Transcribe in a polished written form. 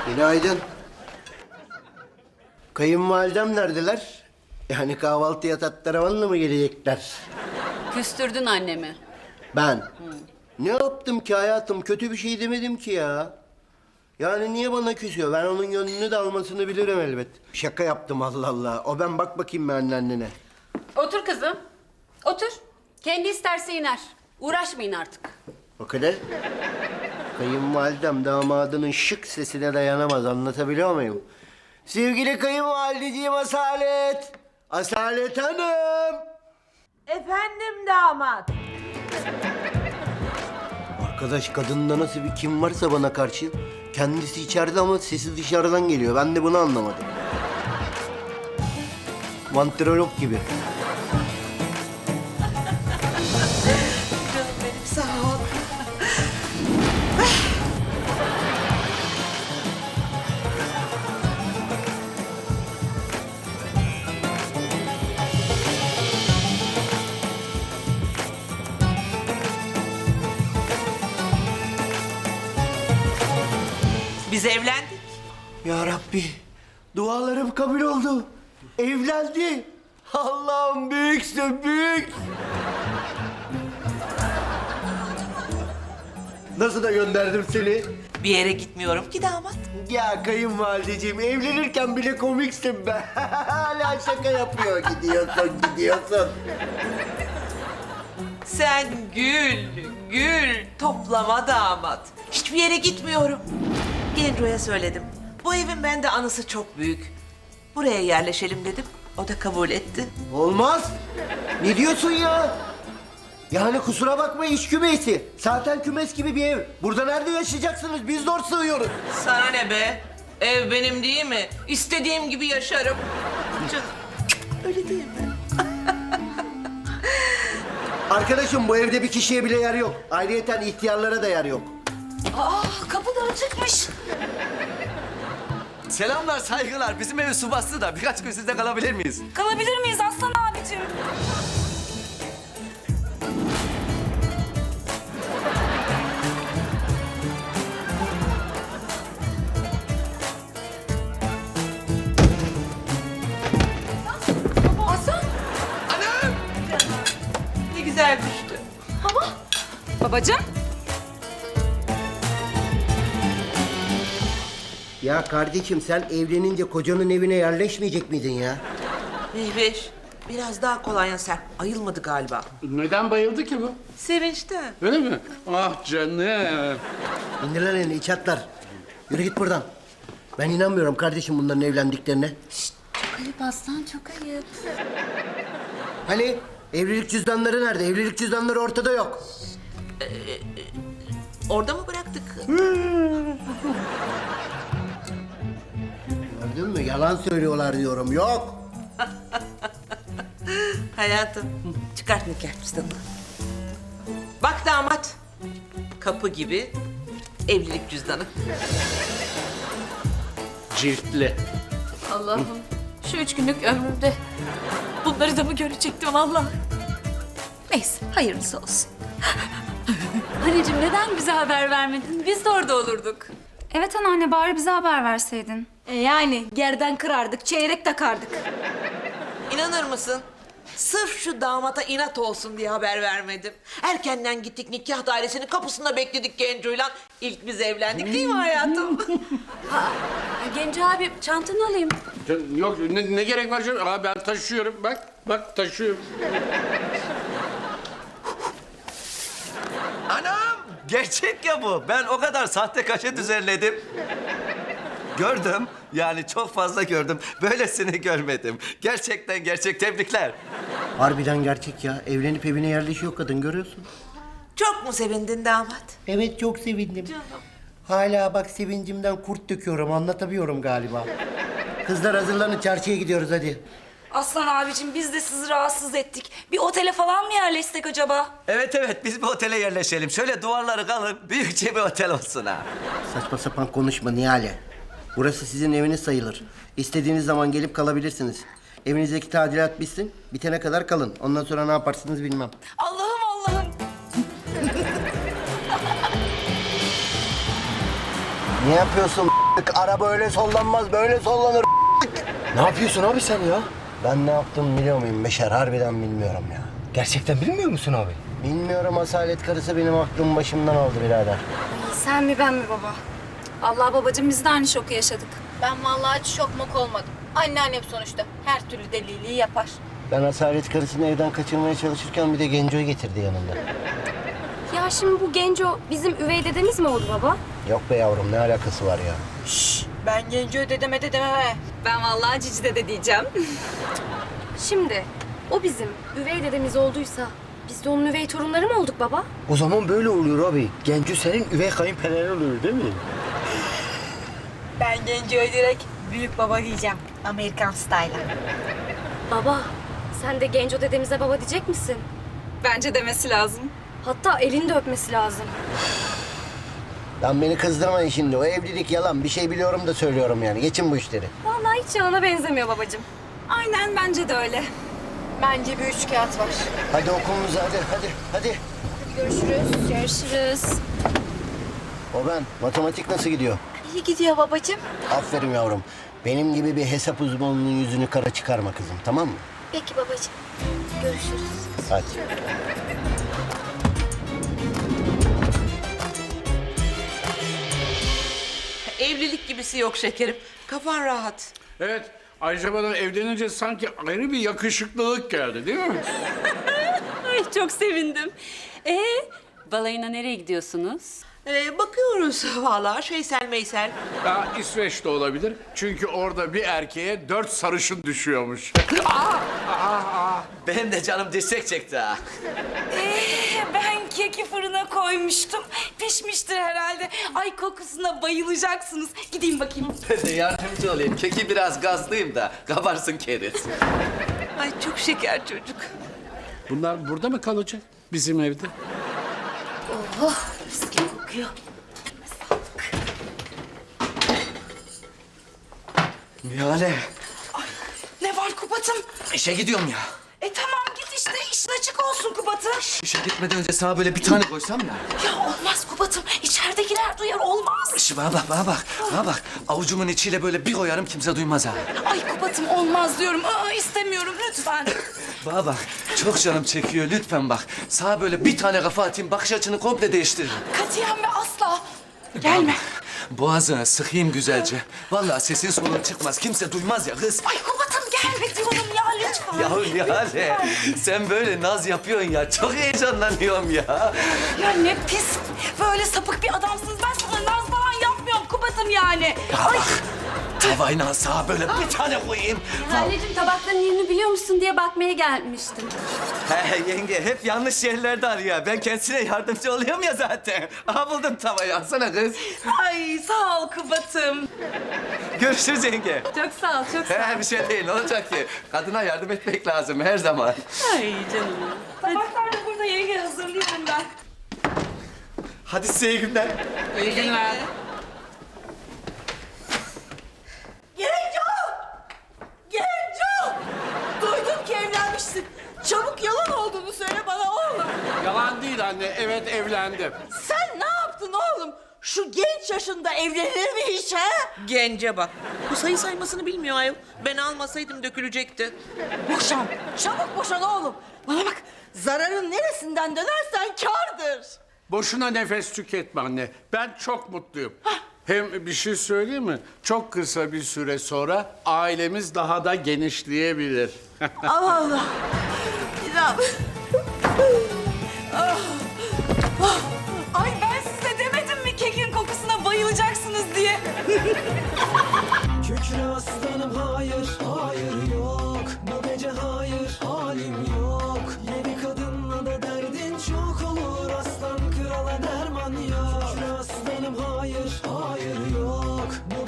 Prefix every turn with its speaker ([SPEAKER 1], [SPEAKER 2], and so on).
[SPEAKER 1] Günaydın. Kayınvalidem neredeler? Yani kahvaltıya tatlaravanla mı gelecekler?
[SPEAKER 2] Küstürdün annemi.
[SPEAKER 1] Ben? Ne yaptım ki hayatım? Kötü bir şey demedim ki ya. Yani niye bana küsüyor? Ben onun gönlünü de almasını bilirim elbet. Şaka yaptım Allah Allah. O ben bak bakayım ben annene.
[SPEAKER 2] Otur kızım. Otur. Kendi isterse iner. Uğraşmayın artık.
[SPEAKER 1] O kadar. Kayınvalidem damadının şık sesine dayanamaz. Anlatabiliyor muyum? Sevgili kayınvalideciğim Asalet. Asalet Hanım.
[SPEAKER 3] Efendim damat.
[SPEAKER 1] Arkadaş kadında nasıl bir kim varsa bana karşı kendisi içeride ama sesi dışarıdan geliyor. Ben de bunu anlamadım. Mantrolog gibi.
[SPEAKER 3] Canım benim sağ ol. Biz evlendik.
[SPEAKER 1] Ya Rabbi, dualarım kabul oldu. Evlendi. Allah'ım büyüksün, büyük. Nasıl da gönderdim seni?
[SPEAKER 3] Bir yere gitmiyorum ki damat.
[SPEAKER 1] Ya kayınvalideciğim, evlenirken bile komiksin be. Hala şaka yapıyor. Gidiyorsun.
[SPEAKER 3] Sen gül toplama damat. Hiçbir yere gitmiyorum. Genco'ya söyledim. Bu evin bende anısı çok büyük. Buraya yerleşelim dedim. O da kabul etti.
[SPEAKER 1] Olmaz. Ne diyorsun ya? Yani kusura bakma iş kümesi. Zaten kümes gibi bir ev. Burada nerede yaşayacaksınız? Biz zor sığıyoruz.
[SPEAKER 3] Sana ne be? Ev benim değil mi? İstediğim gibi yaşarım. Canım, öyle değil mi?
[SPEAKER 1] Arkadaşım bu evde bir kişiye bile yer yok. Ayrıyeten ihtiyarlara da yer yok.
[SPEAKER 2] Kapıdan çıkmış.
[SPEAKER 4] Selamlar, saygılar. Bizim evi su bastı da birkaç gün sizde kalabilir miyiz?
[SPEAKER 2] Kalabilir miyiz Aslan abicim? Aslan.
[SPEAKER 4] Anam!
[SPEAKER 3] Ne güzel düştü.
[SPEAKER 2] Babacığım.
[SPEAKER 1] Ya kardeşim sen evlenince kocanın evine yerleşmeyecek miydin ya?
[SPEAKER 3] Mehveş, biraz daha kolonya serp. Ayılmadı galiba.
[SPEAKER 5] Neden bayıldı ki bu?
[SPEAKER 3] Sevinçten.
[SPEAKER 5] Öyle mi? Ah canım.
[SPEAKER 1] İndir lan elini iç atlar. Yürü git buradan. Ben inanmıyorum kardeşim bunların evlendiklerine.
[SPEAKER 2] Çok ayıp Aslan, çok ayıp.
[SPEAKER 1] Hani evlilik cüzdanları nerede? Evlilik cüzdanları ortada yok.
[SPEAKER 3] Orada mı bıraktık?
[SPEAKER 1] Gördün mü? Yalan söylüyorlar diyorum. Yok.
[SPEAKER 3] Hayatım, çıkart nikah cüzdanını. Bak damat, kapı gibi evlilik cüzdanı.
[SPEAKER 5] Ciltli.
[SPEAKER 6] Allah'ım şu 3 günlük ömrümde bunları da mı görecektim Allah? Neyse hayırlısı olsun.
[SPEAKER 2] Anneciğim neden bize haber vermedin? Biz de orada olurduk.
[SPEAKER 7] Evet anneanne bari bize haber verseydin.
[SPEAKER 6] Yani gerden kırardık, çeyrek takardık.
[SPEAKER 3] İnanır mısın? Sırf şu damata inat olsun diye haber vermedim. Erkenden gittik nikah dairesinin kapısında bekledik Genco'yla. İlk biz evlendik değil mi hayatım?
[SPEAKER 2] Genco abi çantanı alayım.
[SPEAKER 5] Yok ne gerek var canım? Aa, ben taşıyorum bak taşıyorum.
[SPEAKER 4] Anam! Gerçek ya bu. Ben o kadar sahte kaşe düzenledim. Gördüm. Yani çok fazla gördüm. Böylesini görmedim. Gerçekten gerçek. Tebrikler.
[SPEAKER 1] Harbiden gerçek ya. Evlenip evine yerleşiyor kadın görüyorsun.
[SPEAKER 3] Çok mu sevindin damat?
[SPEAKER 1] Evet çok sevindim. Hala bak sevincimden kurt döküyorum. Anlatabiliyorum galiba. Kızlar hazırlanın çarşıya gidiyoruz hadi.
[SPEAKER 6] Aslan abicim biz de sizi rahatsız ettik. Bir otele falan mı yerleşsek acaba?
[SPEAKER 4] Evet biz bir otele yerleşelim. Şöyle duvarları kalın. Büyükçe bir otel olsun ha.
[SPEAKER 1] Saçma sapan konuşma Nihale. Burası sizin eviniz sayılır. İstediğiniz zaman gelip kalabilirsiniz. Evinizdeki tadilat bitsin. Bitene kadar kalın. Ondan sonra ne yaparsınız bilmem.
[SPEAKER 6] Allah'ım.
[SPEAKER 1] Ne yapıyorsun Araba öyle sollanmaz, böyle sollanır.
[SPEAKER 8] Ne yapıyorsun abi sen ya?
[SPEAKER 1] Ben ne yaptım biliyor muyum Beşer? Harbiden bilmiyorum ya.
[SPEAKER 8] Gerçekten bilmiyor musun abi?
[SPEAKER 1] Bilmiyorum, asalet karısı benim aklımı başımdan aldı birader.
[SPEAKER 7] Sen mi ben mi baba? Allah babacığım biz de aynı şoku yaşadık.
[SPEAKER 6] Ben vallahi hiç şok mok olmadım. Anneannem sonuçta her türlü deliliği yapar.
[SPEAKER 1] Ben asalet karısını evden kaçırmaya çalışırken bir de Genco'yu getirdi yanında.
[SPEAKER 9] Ya şimdi bu Genco bizim üvey dedemiz mi oldu baba?
[SPEAKER 1] Yok be yavrum, ne alakası var ya?
[SPEAKER 6] Ben Genco'yu dedeme dememe.
[SPEAKER 2] Ben vallahi Cici dede diyeceğim.
[SPEAKER 9] Şimdi o bizim üvey dedemiz olduysa biz de onun üvey torunları mı olduk baba?
[SPEAKER 8] O zaman böyle oluyor abi. Genco senin üvey kayınpederin oluyor değil mi?
[SPEAKER 6] Ben Genco'ya direkt büyük baba diyeceğim. Amerikan style'a.
[SPEAKER 9] Baba sen de Genco dedemize baba diyecek misin?
[SPEAKER 2] Bence demesi lazım.
[SPEAKER 9] Hatta elini de öpmesi lazım.
[SPEAKER 1] Lan beni kızdırmayın şimdi. O evlilik yalan. Bir şey biliyorum da söylüyorum yani. Geçin bu işleri.
[SPEAKER 9] Vallahi hiç yalana benzemiyor babacığım.
[SPEAKER 2] Aynen bence de öyle.
[SPEAKER 6] Bence bir üç kağıt var.
[SPEAKER 1] Hadi okulunuza hadi.
[SPEAKER 9] Görüşürüz. Görüşürüz.
[SPEAKER 1] O ben. Matematik nasıl gidiyor?
[SPEAKER 6] İyi gidiyor babacığım.
[SPEAKER 1] Aferin yavrum. Benim gibi bir hesap uzmanının yüzünü kara çıkarma kızım, tamam mı?
[SPEAKER 9] Peki babacığım. Görüşürüz.
[SPEAKER 1] Hadi.
[SPEAKER 3] Evlilik gibisi yok şekerim. Kafan rahat.
[SPEAKER 5] Evet. Ayrıca bana evlenince sanki ayrı bir yakışıklılık geldi değil mi?
[SPEAKER 2] Ay çok sevindim. Balayına nereye gidiyorsunuz?
[SPEAKER 3] Bakıyoruz vallahi şeysel meysel.
[SPEAKER 5] Ya İsveç'te olabilir. Çünkü orada bir erkeğe 4 sarışın düşüyormuş.
[SPEAKER 4] Benim de canım dirsek çekti ha.
[SPEAKER 10] Ben keki fırına koymuştum. Pişmiştir herhalde. Ay kokusuna bayılacaksınız. Gideyim bakayım.
[SPEAKER 4] Ben de yardımcı olayım. Keki biraz gazlıyım da kabarsın keriz.
[SPEAKER 3] Ay çok şeker çocuk.
[SPEAKER 5] Bunlar burada mı kalacak? Bizim evde.
[SPEAKER 10] Mis gibi kokuyor.
[SPEAKER 4] Nihale,
[SPEAKER 10] Ne var Kubat'ım?
[SPEAKER 4] işe gidiyorum ya.
[SPEAKER 10] Tamam git işte. İşin açık olsun Kubat'ım.
[SPEAKER 4] İşe gitmeden önce sana böyle bir tane koysam ya.
[SPEAKER 10] Ya olmaz Kubat'ım. İçeridekiler duyar olmaz.
[SPEAKER 4] Şş, bana bak. Avucumun içiyle böyle bir koyarım kimse duymaz ha.
[SPEAKER 10] Ay Kubat'ım olmaz diyorum. İstemiyorum lütfen.
[SPEAKER 4] Bana bak, çok canım çekiyor lütfen bak. Sana böyle bir tane kafa atayım, bakış açını komple değiştiririm.
[SPEAKER 10] Katiyen ve asla. Gelme.
[SPEAKER 4] Boğazına sıkayım güzelce. Vallahi sesin solun çıkmaz, kimse duymaz ya kız.
[SPEAKER 10] Ay Kubat'ım gelme diyorum ya lütfen.
[SPEAKER 4] Ya Nihale, sen böyle naz yapıyorsun ya. Çok heyecanlanıyorum ya.
[SPEAKER 10] Ya ne pis. Böyle sapık bir adamsınız. Ben sana naz falan yapmıyorum Kubat'ım yani. Ay.
[SPEAKER 4] Tavayla sağa böyle bir tane koyayım.
[SPEAKER 2] Anneciğim tabakların yerini biliyor musun diye bakmaya gelmiştim.
[SPEAKER 4] He yenge, hep yanlış yerlerde arıyor. Ben kendisine yardımcı oluyorum ya zaten. Aha buldum tavayı, alsana kız.
[SPEAKER 10] Ay sağ ol Kubat'ım.
[SPEAKER 4] Görüşürüz yenge.
[SPEAKER 2] Çok sağ ol, çok sağ ol.
[SPEAKER 4] He bir şey değil, ne olacak ki? Kadına yardım etmek lazım her zaman.
[SPEAKER 2] Ay canım.
[SPEAKER 10] Tabaklar da burada yenge hazırlıyorum ben.
[SPEAKER 4] Hadi size iyi günler.
[SPEAKER 5] İyi günler.
[SPEAKER 10] Genco! Genco! Duydum ki evlenmişsin. Çabuk yalan olduğunu söyle bana oğlum.
[SPEAKER 5] Yalan değil anne. Evet evlendim.
[SPEAKER 10] Sen ne yaptın oğlum? Şu genç yaşında evlenir mi hiç ha?
[SPEAKER 3] Gence bak. Bu sayı saymasını bilmiyor ayol. Ben almasaydım dökülecekti.
[SPEAKER 10] Boşan. Çabuk boşan oğlum. Bana bak. Zararın neresinden dönersen kârdır.
[SPEAKER 5] Boşuna nefes tüketme anne. Ben çok mutluyum. Hem bir şey söyleyeyim mi? Çok kısa bir süre sonra ailemiz daha da genişleyebilir.
[SPEAKER 10] Allah Allah. İnan. Ay ben size demedim mi kekin kokusuna bayılacaksınız diye.
[SPEAKER 11] Kükre aslanım hayır, hayır yok. Bu gece hayır, halim yok. Yeni kadınla da derdin çok olur. Aslan krala derman yok. Kükre aslanım hayır, hayır yok. Bu